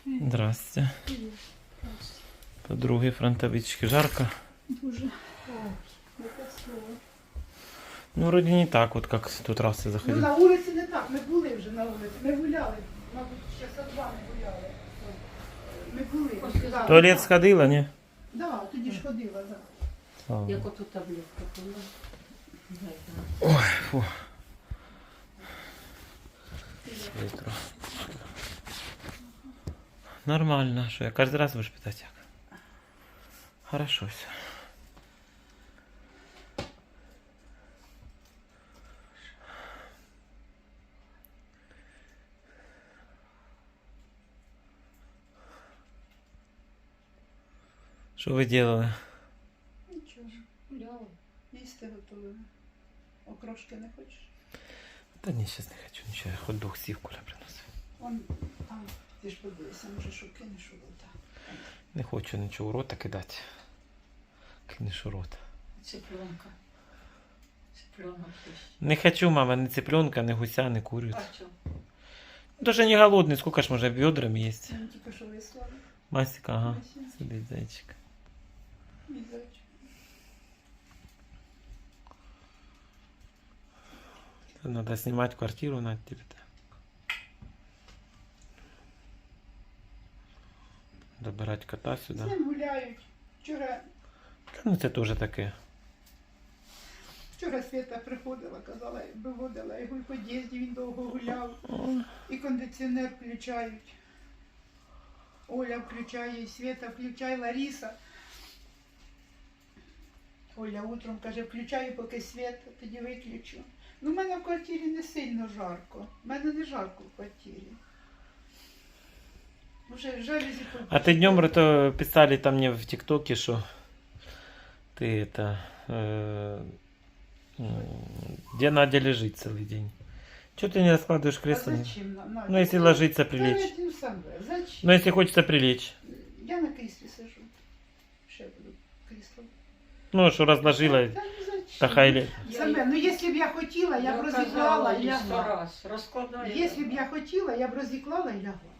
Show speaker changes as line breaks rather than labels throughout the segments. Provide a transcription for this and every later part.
Здрасте. Подруги фронтовички. Жарко?
Дуже. Яке слово.
Ну, вроде не так, вот как в тот раз я
Ну,
заходил.
на вулиці не так, ми були вже на вулиці. Ми гуляли, мабуть, часа два ми гуляли. Ми були. Да,
Туалет
так.
сходила, не?
Да, тоді ж ходила, да.
Слава
Як
Богу.
оту таблетку пила.
Ой, фу. Ветру. Нормально, что я каждый раз будешь питать як? Хорошо все. Что вы делали?
Нічого, гуляли. Їсти готовили. Окрошки не хочеш?
Да не, сейчас не хочу ничего. Я хоть двух сив Коля приносив.
Он там, ти ж подивися, може, що кинеш у рота.
Не хочу нічого у рота кидати. Кинеш у рота.
Цыпленка. Цыпленок есть.
Не хочу, мама, ни цыпленка, ни гуся, ни курицу.
А что?
Даже не голодный, сколько ж можно бедрами есть.
Він тільки що вислали.
Масика, ага.
Масик.
Сидит зайчик.
Мій зайчик.
Надо снимать квартиру на тебе-то. Добирать кота
З
сюда.
ним гуляють. Вчора
Ну це теж таке.
Свята приходила, казала, виводила його в під'їзді, він довго гуляв. І кондиціонер включають. Оля включає, Свята включає, Лариса. Оля утром каже, включаю поки світ, тоді виключу. Ну, в мене в квартирі не сильно жарко. В мене не жарко в квартирі. Вже жалюзі
А ты днем это писали там мне в ТикТоке, что ты это где Надя лежит целый день. Чего ты не раскладываешь
А
кресло?
зачем?
Ну если ложиться прилечь.
Зачем?
Ну если хочется прилечь.
Я на кріслі сижу. Ще буду крісло.
Ну что разложила,
Та ну зачем?
та хай.
Себе, ну якщо б я хотіла, я б розіклала і лягла.
раз. Раскладаю.
Якщо б я хотіла, я б розіклала і лягла.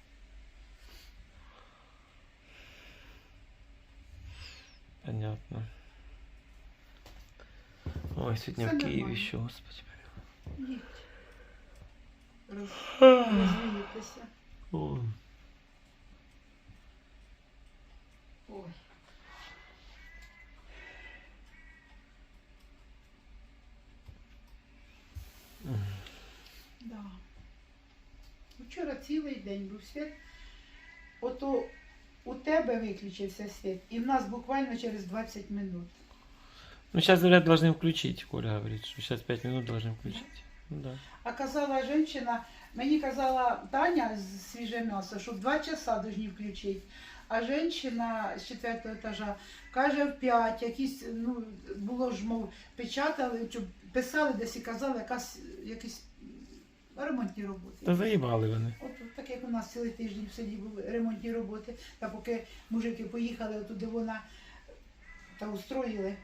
Понятно. Ой, сегодня
Всё
в Киеве
нормально.
еще, господи.
Їдь. Розвіятися.
Ой.
Ой.
Да. Вчора цілий день був світ. Ото у тебе виключився світ, і в нас буквально через 20 минут.
Ну сейчас, говорят, должны включить. Коля говорит, что сейчас 5 минут должны включить. Ну да.
А казала жінка, мені казала Таня з свіже м'ясо, що в 2 часа повинні включити. А жінка з 4-го етажа каже в 5, якісь, ну, було ж, мов, печатали, чи писали десь і казали, якісь ремонтні роботи.
Та заїбали вони.
От так як у нас цілий тиждень в селі були ремонтні роботи, та поки мужики поїхали туди вона та устроїли.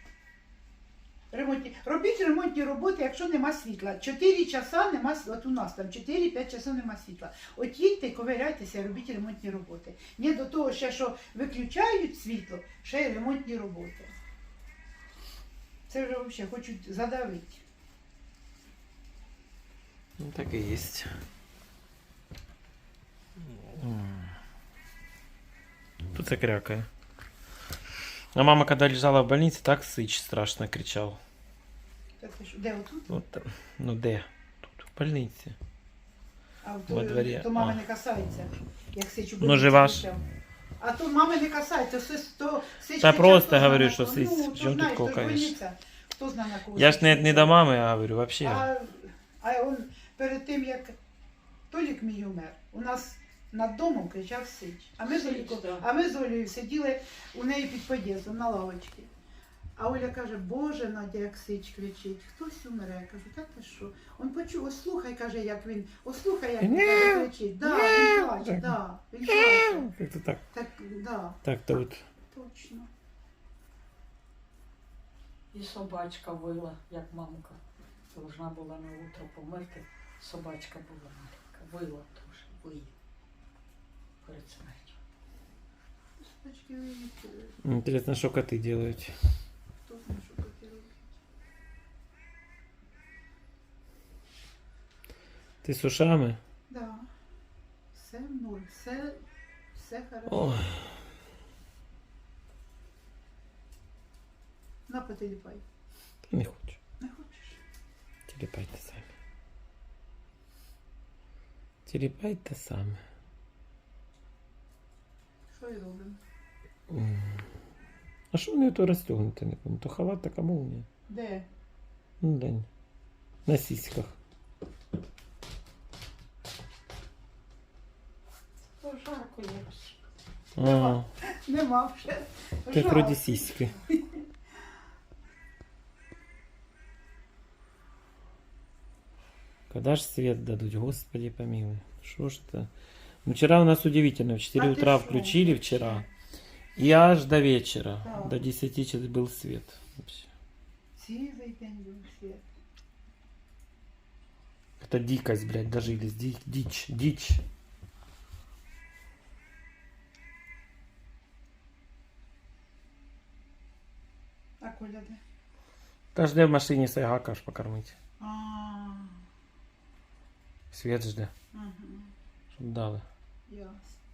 Робіть ремонтні роботи, якщо нема світла. 4 часа нема світла. От у нас там 4-5 часов нема світла. От їдьте, ковиряйтеся, робіть ремонтні роботи. Не до того ще, що виключають світло, ще й ремонтні роботи. Це вже взагалі хочуть задавити.
Ну так и есть. Тут закрякая. А мама, когда лежала в больнице, так сыч страшно кричал.
Та ти що, де отут?
Вот там. Ну де? Тут, в больнице.
А
Во дворі.
то мами
А.
не касається. Як сичу
Ну, жива ж.
кричав. А то мами не касається, то сич
Та
кричав,
просто
хто
говорю,
знає,
що
на
сич.
кого. Ну,
Чому тут
знаєш, то ж
кокаєш?
больниця. Хто знає на кого.
Я ж
сич
не
кричав.
до мами говорю, вообще.
А он перед тим, як Толік мій умер, у нас над домом кричав сич. А ми з
Сич,
Оліком-
да.
а ми з Олею сиділи у неї під під'їздом на лавочці. А Оля каже, Боже, Надя, як сич кричить, хтось умре. Я кажу, та ти що? Он почув, ось слухай, каже, як він, ось слухай, як він каже, кричить. Да, він плаче, да, він плаче.
Это так.
Так, да,
Так-то вот.
точно.
І собачка вила, як мамка. Должна була на утро померти. Собачка була маленька. Вила теж, виє.
лампочки
Интересно, что коты делают.
хто знає, що коти роблять.
Ты с ушами?
Да. Все в ноль, все хорошо.
Ой.
На, потеліпай.
Не хочу.
Не хочеш?
Телепайте сами. Телепайте сами.
Що і робимо?
А что у нее то расстегнуто, не помню. То халат, так молния.
Де?
Ну да. На сиськах.
То жарко якось.
А,
Нема вже.
как
Жарко.
вроде сиськи. Когда ж свет дадут, Господи помилуй. Что ж это? Ну, вчера у нас удивительно. В 4
А ты
утра
шо?
включили вчера. И аж до вечера.
Да.
До 10 часов был свет. Вообще.
Цілий день був світ.
Это дикость, блядь, дожились. Дичь, дичь.
А Коля де?
Та жде в машині Сайгака аж покормить.
А,
Свет жде,
ага,
щоб дали.
ясно.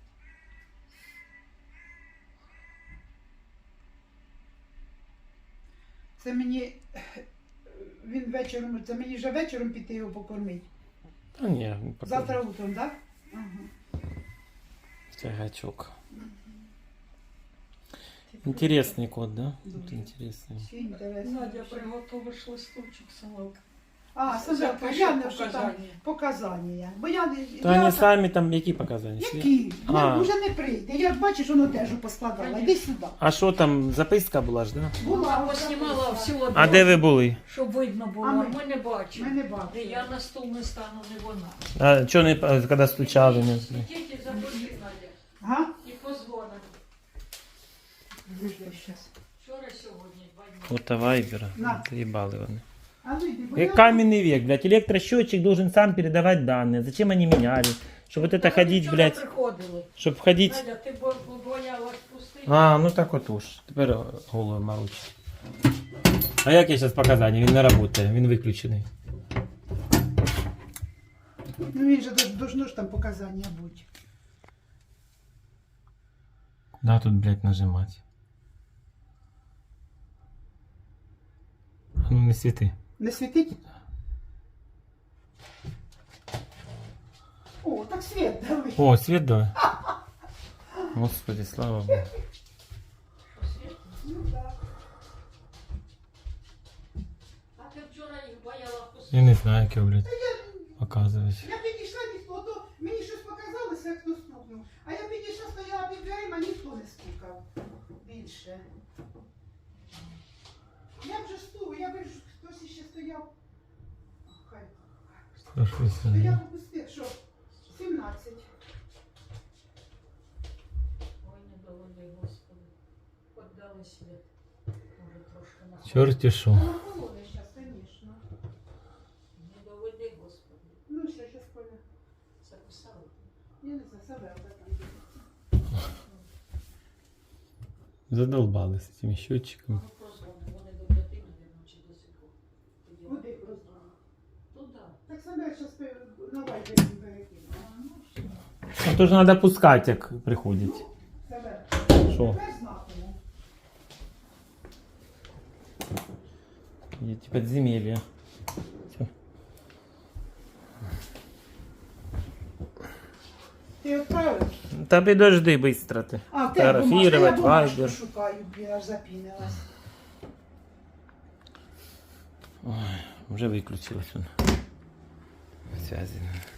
Це мені він вечором, це мені вже вечором піти його покормити.
Та ні, ну, пока.
Завтра утром, так? Ага.
Сайгачок. Интересный кот, да?
Да.
Вот интересный.
Ще інтересно.
Надя, приготовиш листочок, Самилка.
А, Сандра,
Запиши
я не що там
показання.
показання. Бо я не.
То
я
они
так-
сами там, які показання?
Які?
А.
Я вже не прийде. Я бачиш, воно теж поскладала. Іди сюди.
А що там, записка була ж, да?
Була,
Вона поснімала всю
А де ви були?
щоб видно було.
А ми-
Ми не бачимо.
Ми не бачимо.
Я на стул не стану, не вона.
А чого не, коли стучали? Не?
Ідіть і запишіть, Надя.
Ага.
І позвонимо.
Щас.
Вчора, сьогодні, 2 дні.
Фото Вайбера.
На.
Заебали вони.
А ну йди, бо
Как каменный век, блядь. Электросчетчик должен сам передавать данные. Зачем они меняли? Чтобы вот это
Вони
ходить,
вчора
блядь,
приходили.
чтобы ходить...
Надя, ти боялась пустити?
А, ну так от уж. Тепер голову морочить. А як я зараз показання? Він не працює, він виключений.
Ну він же должно ж там показання бути.
Да, тут, блядь, нажимать. А ну не світи.
Не світить? О, так світ давай.
О, світ давай. Господи, слава Богу.
Ну так.
А ти вчора їх боялась пустити?
Я не знаю, як його, блядь, показувати.
Я підійшла, ніхто, то мені щось показалося, хто стукнув. А я підійшла, стояла під дверима, ніхто не стукав. Більше. Я вже стук, я бачу, хтось іще стояв. Хай. То я попустив, що? 17.
Ой, не доводи, Господи. Поддали світ. Може, трошки на
Чорті що.
Ну, холодно зараз, звісно.
Не доведи, Господи.
Ну, ще щось Коля.
Записали.
Я не знаю, себе там.
Задолбали з цими счетчиками.
Ну, прозвони. Вони до 5, мабуть, чи до 7. Тоді
Куди просто?
туди.
Так себе зараз на вайбері перекину.
Ну, все.
А то ж треба пускати, як приходять.
Себе.
Що?
Тепер знатиму.
Є ті підземелля. Все.
Ти відправив?
Та підожди быстро ти.
А, в тебе бумажка, я
Фотографувати,
бумажку
вайбер.
шукаю, блін, аж запінилась.
Ой, вже виключилось воно. Связи.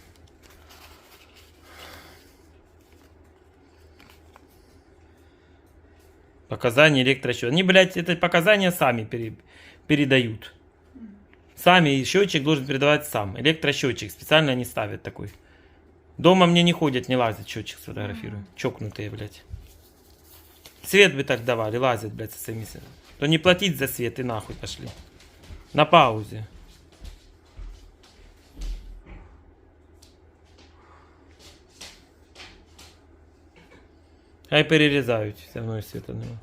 Показания электросчета. Они, блядь, это показания сами передают. Сами, и счетчик должен передавать сам. Электросчетчик. Специально они ставят такой. Дома мне не ходят, не лазят, счетчик сфотографируют. Чокнутые, блядь. Свет бы так давали, лазят, блядь, со своими... То не платить за свет и нахуй пошли. На паузе. Хай перерізають, все одно і світа нема.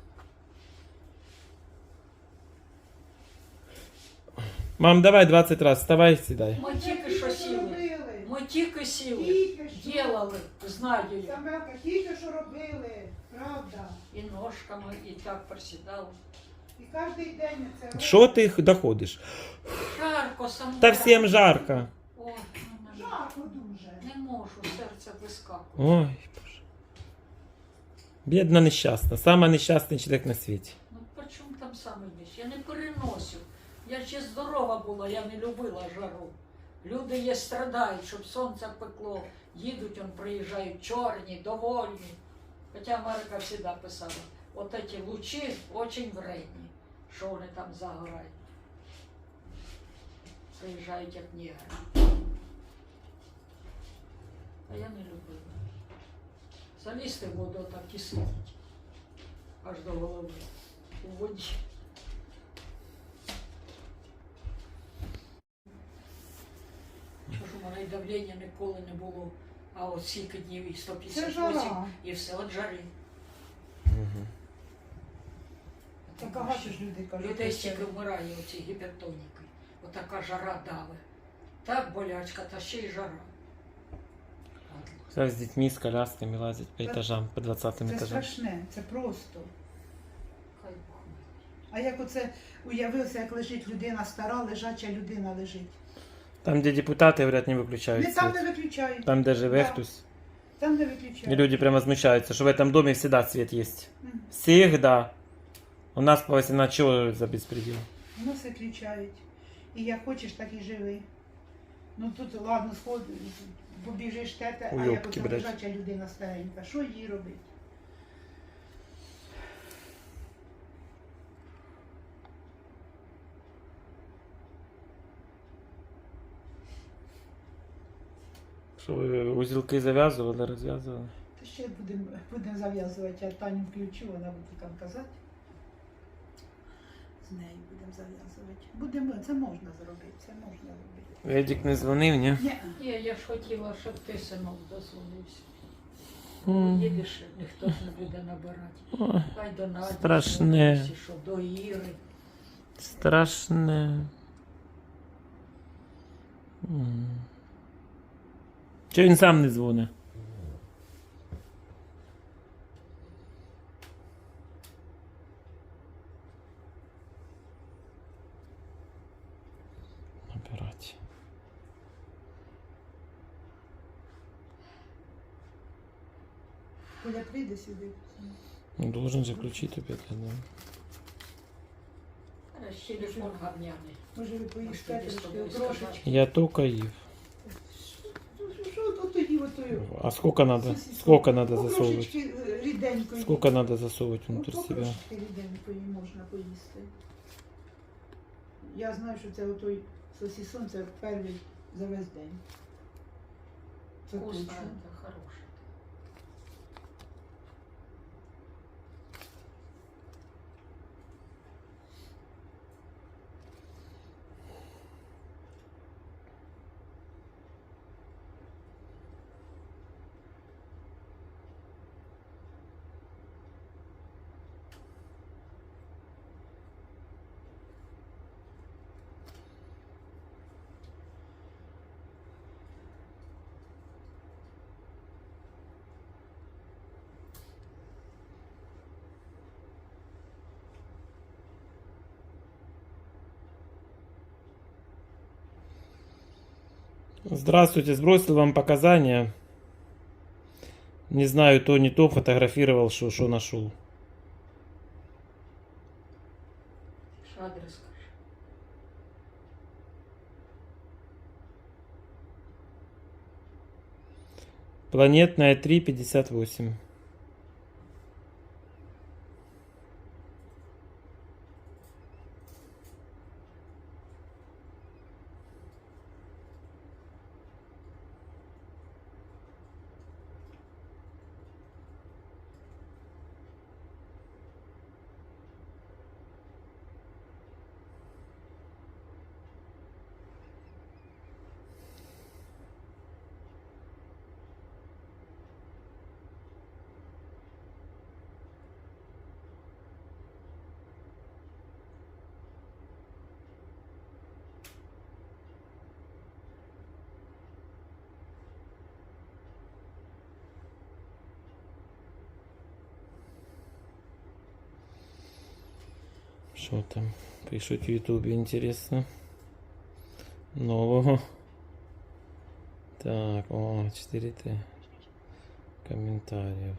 Мам, давай 20 раз, вставай, сідай.
Ми тільки що сіли.
робили.
Ми тільки сіли.
Тільки що.
Ділали, знаю я.
Самелка, тільки що робили, правда.
І ножками, і так присідали.
І кожен день це робили.
Що ти доходиш?
Жарко, саме.
Та всім жарко.
Ой,
Жарко дуже.
не можу, серце вискакує.
Ой, Боже. Бідна нещасна, сама нещасний чоловік на світі.
Ну при чому там саме ніч? Я не переносив. Я ще здорова була, я не любила жару. Люди є страдають, щоб сонце пекло. Їдуть, он приїжджають чорні, довольні. Хоча Америка завжди писала, от ці лучі дуже вредні, що вони там загорають. Приїжджають як негри. А я не любила. Залізти в воду так і сидіть. Аж до голови. У воді. Що ж у мене й давлення ніколи не було, а от стільки днів і
Це
158
жара.
і все от жари.
Так багато ж людей кажуть.
Людей
що
стільки
це.
вмирає оці гіпертоніки. Отака жара дави. Так болячка, та ще й жара.
Зараз з дітьми, з колясками лазять по етажам, по 20
Це
етажам.
страшне, це просто.
Хай Бог милує.
А як оце уявився, як лежить людина стара, лежача людина лежить.
Там, де депутати, говорять, не виключають
Не там
світ.
не виключають.
Там, де живе
Да.
хтось.
Там не
И
виключають.
люди прям возмущаются, что в этом доме всегда свет есть.
Мгм.
Всегда. У нас по 18 чего за беспредел?
У нас виключають. І як хочеш, так і живи. Ну тут, ладно, сход, побіжиш тете, а як
Уйобки,
оце
блядь.
лежача людина старенька, що їй робити?
Что вы узелки завязывали, развязывали?
Та ще будемо зав'язувати, я Таню включу, вона буде там казати. З нею будемо зав'язувати. Будемо, це можна зробити, це можна робити.
Едік не дзвонив, ні?
Ні,
Ні, я ж хотіла, щоб ти, синок, дозвонився.
М.
Їдеш, ніхто ж не буде набирати.
Ой,
Хай до Наді,
Страшне.
звернешся, що до Іри.
страшне. Чого він сам не дзвонить? Набирать.
Коля прийде сюди.
Ну, должен же включить опять, я думаю.
Раз телефон говняний.
Може ви поїсте
Ось тобі
трошки,
з тобою
трошечки.
Я только їв.
Що от тоді отою?
А сколько надо?
Сосиску.
Сколько надо
Ну,
засовывать?
трошечки ріденької.
Сколько надо засовывать
Ну,
внутрь себя?
трошечки ріденької можна поїсти. Я знаю, що це отой сосисон, це перший за весь день. Це
Вкусно,
точно.
это хороше.
Здравствуйте, сбросил вам показания. Не знаю, то не то, фотографировал, что нашел.
Що адрес скажи?
Планетная 358. Что там? Пишут в Ютубе, интересно. Нового. Так, о, 4Т. Комментариев.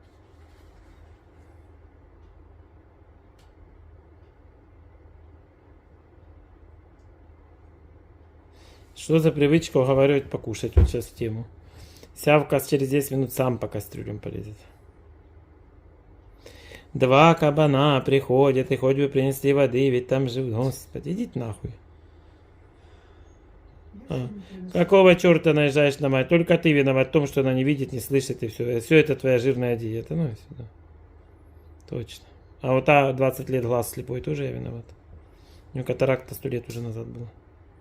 Что за привычка уговаривать покушать? Вот сейчас в тему. Сявка через 10 минут сам по кастрюлям полезет. 2 кабана приходят и хоть бы принесли воды, ведь там живут. Господи, идите нахуй. Какого черта наезжаешь на мать? Только ты виноват в том, что она не видит, не слышит и все. Все это твоя жирная диета. Ну и сюда. Точно. А вот та 20 лет глаз слепой тоже я виноват. У него катаракта 100 лет уже назад была.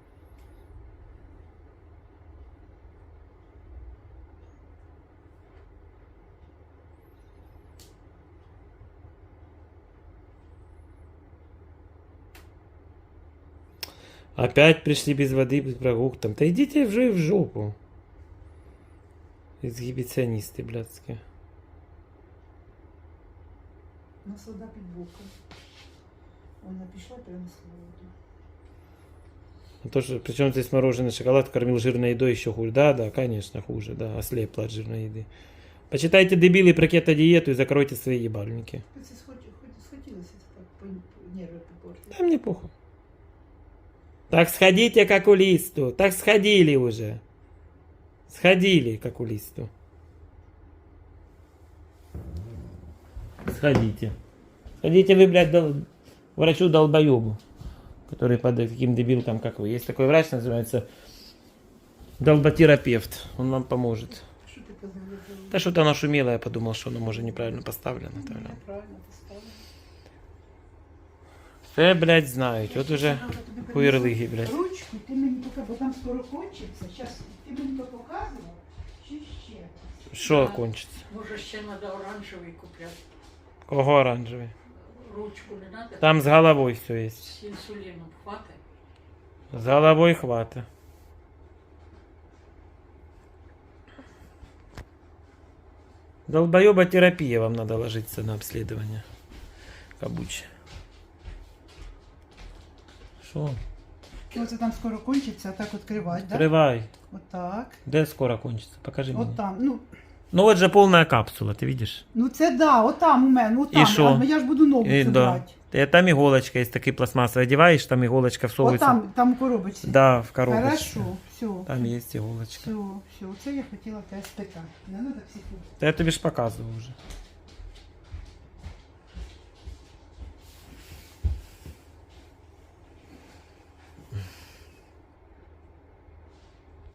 Опять пришли без воды, без прогулок. Там, да идите в жопу. Эксгибиционисты блядские.
нас вода під боком. Вона пішла прямо з холоду.
То, что, причем здесь мороженый шоколад кормил жирной едой еще хуже. Да, конечно, хуже, да, ослепла от жирной еды. Почитайте, дебилы, про кето-диету и закройте свои ебальники.
Це схотілося так нерви попортити.
Да мне похуй. Так сходите к окулисту. Так сходили уже. Сходили к окулисту. Сходите. Сходите вы, блядь, врачу-долбоебу, который под таким дебилком, как вы. Есть такой врач, называется долботерапевт. Он вам поможет.
Що ти казав?
Да что-то оно шумело, я подумал, что оно может неправильно поставлено.
Неправильно поставили.
Все, блядь, знають. От уже хуєрлиги, блядь.
Ручку ти мені поки, бо там скоро кончиться. Зараз ти мені то показував, чи ще?
Що кончиться?
Може, ще треба оранжевий купляти.
Кого оранжевий?
Ручку не треба?
Там с головой все есть.
З інсуліном хватить?
С головой хвата. Долбоеботерапия вам надо ложиться на обследование. Кабуче. Что?
Оце там скоро кончиться, а так відкривати, так?
Открывай.
Отак.
Да скоро кончится? Покажи мне.
От там. Ну,
Ну вот же полная капсула, ты видишь?
ну це да, отам у мене, отам.
І що?
А я ж буду нову
И,
це
да.
брати.
Там иголочка есть, такие пластмассовые одеваешь, там иголочка всовывается.
Отам, там у коробочці.
Да, в коробочке.
Хорошо, все.
Там есть иголочка.
Все, все. Оце я хотіла тебе спитати. Не треба психувати.
Да я тебе ж показывал уже.